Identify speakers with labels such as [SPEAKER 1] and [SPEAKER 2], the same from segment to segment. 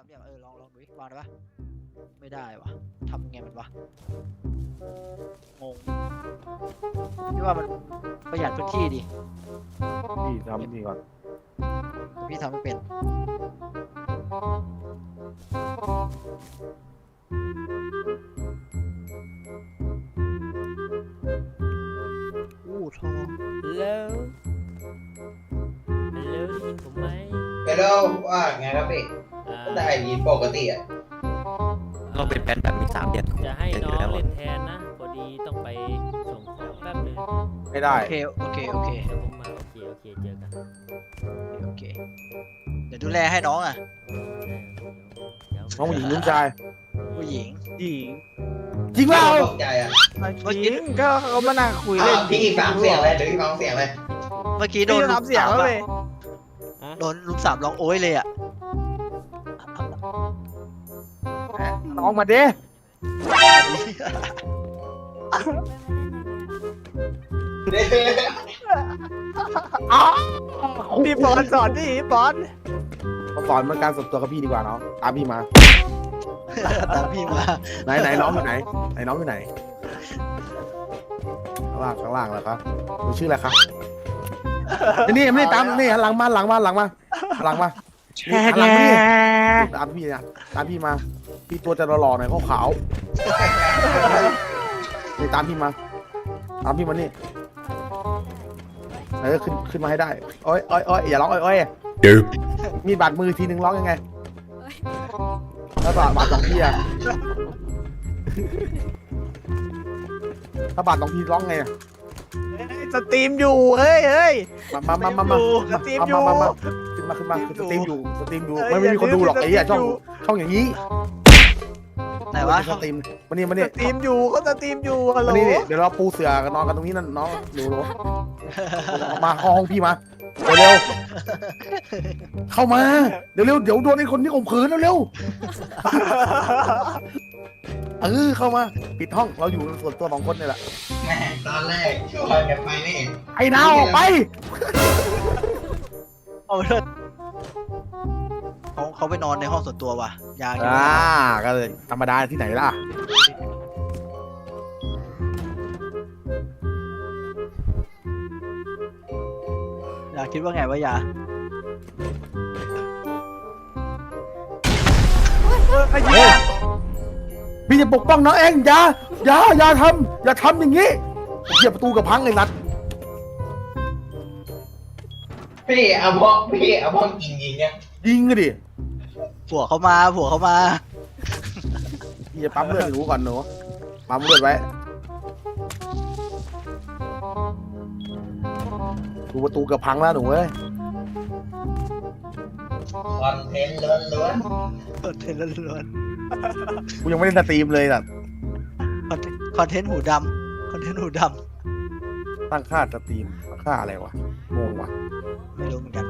[SPEAKER 1] เหลี่ยมลองดูวางได้ปะไม่ได้วะทำไงมันวะงงพี่ว่ามันประหยัดพื้นที่ดิ
[SPEAKER 2] พี่ทำนี่ก่อน
[SPEAKER 1] พี่ทำไม่เป็นทอง
[SPEAKER 3] ฮัลโหลได้ยินผมไหม
[SPEAKER 4] ไปแล้วว่าไงครับพี่ก็ได้ยินปกติอ่ะ
[SPEAKER 5] ต้องเป็นแฟนแบบมี3 เดือน
[SPEAKER 3] จะให้น้องเล่นแทนนะพอดีต้องไปส่งของแป๊บนึง
[SPEAKER 2] ไม่ได้
[SPEAKER 1] โอเค
[SPEAKER 3] เดี๋ยวผมมาโอเคเจอกัน
[SPEAKER 1] โอเคเดี๋ยวดูแลให้น้องอ่ะ
[SPEAKER 2] น้องผู้หญิงหรือผู้ชาย
[SPEAKER 1] ผู้หญิง
[SPEAKER 6] หญิง
[SPEAKER 2] จริงเปล่า
[SPEAKER 4] ตกใจอ่ะ
[SPEAKER 6] หญิงก็เขามานั่งคุยเล่น
[SPEAKER 4] พี่ฟังเสียงเลยหรือพี่ฟังเสียงเลย
[SPEAKER 1] เมื่อกี้โด
[SPEAKER 6] พี่
[SPEAKER 1] น
[SPEAKER 6] จะ
[SPEAKER 1] ลุม
[SPEAKER 6] ทำเสียง
[SPEAKER 1] สาม
[SPEAKER 6] แล้ว
[SPEAKER 1] อะ
[SPEAKER 6] เลย
[SPEAKER 1] โดนลุมสามร้องโอ้ยเลยอ่ะ
[SPEAKER 2] น้องมาดิ
[SPEAKER 6] พี่บอลสอนดิบอล
[SPEAKER 2] เขาสอนมันการส่วนตัวกับพี่ดีกว่าเนาะตามพี่มา
[SPEAKER 1] ตามพี่มา
[SPEAKER 2] ไหนน้องอยู่ไหนน้องอยู่ไหนข้างล่างแล้วครับหนูชื่ออะไรครับนี่ไม่ได้ตามนี่หลังมานี่หันหลังมาตามพี่นะตามพี่มาพี่ตัวจะหล่อๆหน่อยขาวๆนี่ตามพี่มานี่ขึ้นมาให้ได้โอ้ยอย่าร้องโอ้ยมีบาดมือทีนึงร้องยังไงแล้วบาดสองทีอะถ้าบาดสองทีร้องไงอะ
[SPEAKER 6] สตรีมอยู่เฮ้ย
[SPEAKER 2] มา
[SPEAKER 6] สตรีมอยู่
[SPEAKER 2] ขึ้นมาคือสตรีมอยู่ไม่มีคนดูหรอกไอ้เหี้ยช่องอย่างนี้
[SPEAKER 1] ไหนวะ
[SPEAKER 2] สตรีมมานี่
[SPEAKER 6] สตรีมอยู่เขาสตรีมอยู่ฮัลโหล
[SPEAKER 2] มานี่เดี๋ยวเราปูเสือกันนอนกันตรงนี้นั่นน้องดูมาห้องพี่มาเร็วเข้ามาเดี๋ยวโดนไอ้คนที่ข่มขืนเร็วเข้ามาปิดห้องเราอยู่ส่วนตัว2 คนนี่แหละ
[SPEAKER 4] แม่ตอนแรกชวนกันไปนี่
[SPEAKER 2] ไอ้นาวออกไป
[SPEAKER 1] เอาไปเถอะเขาไปนอนในห้องส่วนตัวว่ะยาเยอะ
[SPEAKER 2] ก็เลยธรรมดาที่ไหนล่ะ
[SPEAKER 1] ยาคิดว่าไงวะยา
[SPEAKER 6] ไอ้เหี้ย
[SPEAKER 2] พี่จะปกป้องน้องเองอย่าทำอย่างนี้เหยียบประตูกับพังเลยรัด
[SPEAKER 4] พี่เอาพวกยิงเนี่ย
[SPEAKER 2] ยิงกันดิ
[SPEAKER 1] ผัวเขามา
[SPEAKER 2] พี่จะปั๊มเลือดให้หนูก่อนหนูปั๊มเลือดไว้ดูประตูกับพังแล้วหนูเว้ย
[SPEAKER 4] คอนเทนต์ล้วน
[SPEAKER 1] คอนเทนต์ล้วน
[SPEAKER 2] กูยังไม่ได้สตรีมเลยอ่ะ
[SPEAKER 1] ๆคอนเทนต์หูดำ
[SPEAKER 2] ตั้งค่าสตรีมตั้งค่าอะไรวะงงวะ
[SPEAKER 1] ไม่รู้เหมือนกัน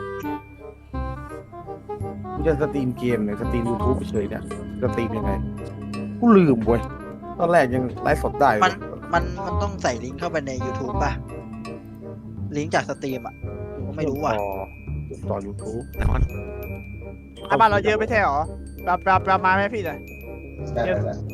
[SPEAKER 2] กูจะสตรีมเกมเนี่ยสตรีม YouTube เฉยเนี่ยสตรีมยังไงกูลืมเว้ยตอนแรกยังไลฟ์สดได้เลย
[SPEAKER 1] มันต้องใส่ลิงก์เข้าไปใน YouTube ป่ะ ลิงก์จากสตรีมอ่ะผมไม่รู้ว่ะ
[SPEAKER 2] ต่อ YouTube
[SPEAKER 6] บ้านเราเยอะไม่ใช่หรอประมาณไหมพี่หน่อย
[SPEAKER 4] ๆแบบ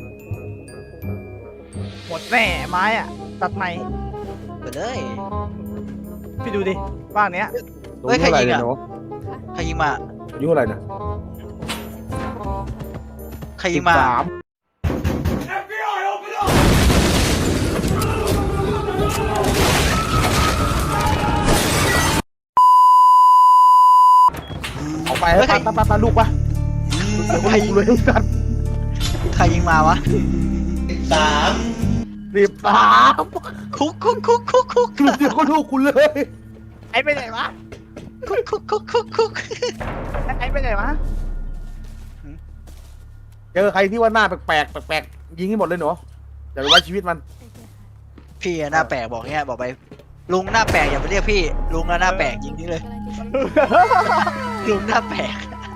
[SPEAKER 6] หมดแน่ไม้อ่ะตัดไม้
[SPEAKER 1] ไปเลย
[SPEAKER 6] พี่ดูดิบ้านเนี้ย
[SPEAKER 2] หนูอายุเท่าไหร่เนี่ยหนู
[SPEAKER 1] ใครยิงมา
[SPEAKER 2] อายุเท่าไหร่เนี่ย
[SPEAKER 1] ใครยิงมา
[SPEAKER 2] 13เอาไปให้ป้าลูกปะเดี๋ยวให้กูเลยกัน
[SPEAKER 1] ใครยิงมาวะ
[SPEAKER 4] 13
[SPEAKER 2] 13
[SPEAKER 1] คุก
[SPEAKER 2] เดี๋ยวก็ลูกกูเลย
[SPEAKER 6] ไอ้ไปไหนวะ
[SPEAKER 1] คุก
[SPEAKER 6] ไอ้ไปไหนวะ
[SPEAKER 2] เจอใครที่ว่าหน้าแปลกยิงให้หมดเลยหนูอย่าไปไว้ชีวิตมัน
[SPEAKER 1] พี่หน้าแปลกบอกเงี้ยบอกไปลุงหน้าแปลกอย่าไปเรียกพี่ลุงหน้าแปลกยิงทิ้งเลยลุงหน้าแปลก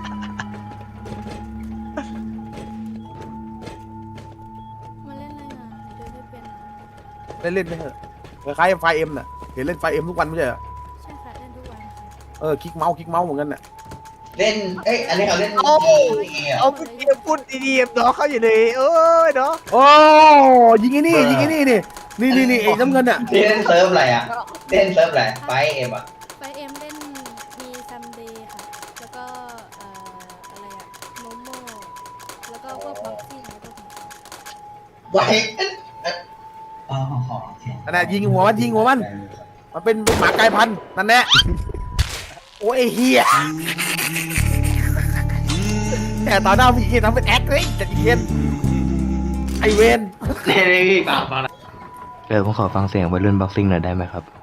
[SPEAKER 7] มาเล่นอะไรอ่ะเดินไม่เป็น
[SPEAKER 2] เล่นไม่เถอะคล้ายๆไฟเอ็มน่ะเห็นเล่นไฟเอ็มทุกวันไม่ใช่เหรอ
[SPEAKER 7] ใช่ค่ะเล่นทุกวันค่ะ
[SPEAKER 2] คลิกเมาส์เหมือนกันน่ะ
[SPEAKER 4] เล่นเอ้ยอันนี้เขาเล่น
[SPEAKER 6] โอ้
[SPEAKER 4] เกม
[SPEAKER 6] เอาพี่เกมพูดดีๆน้องเขาอยู่เลยเอ้ยเนาะ
[SPEAKER 2] โอ้ยิงไอ้นี่ยิงไอ้นี่นี่นี่ไอ้น้ำเงินอ่ะ
[SPEAKER 4] พี่เล่นเซิร์ฟอะไรอ่ะเล่นเซิร์ฟอะไรไปเอ็มอ่ะ
[SPEAKER 7] ไปเอ็มเล่นมีซัมเดย์ค่ะ แล้วก็อะไรอะโมโม่แล้วก็พวกบ็อกซิ่งอะไรพวกนี้
[SPEAKER 4] ไว้อ๋อโอเค
[SPEAKER 2] นั่นแหละยิงหัวมันมันเป็นหมากลายพันธุ์นั่นแหละโอ้ยไอ้เฮียแต่ตอนหน้าพี่เคนทำเป็นแอคเลยแต่พี่เคนไอเวน
[SPEAKER 4] เล่นอีกเปล่า
[SPEAKER 5] ผมขอฟังเสียงวัยรุ่นบ็อกซิ่งหน่อยได้ไหมครับ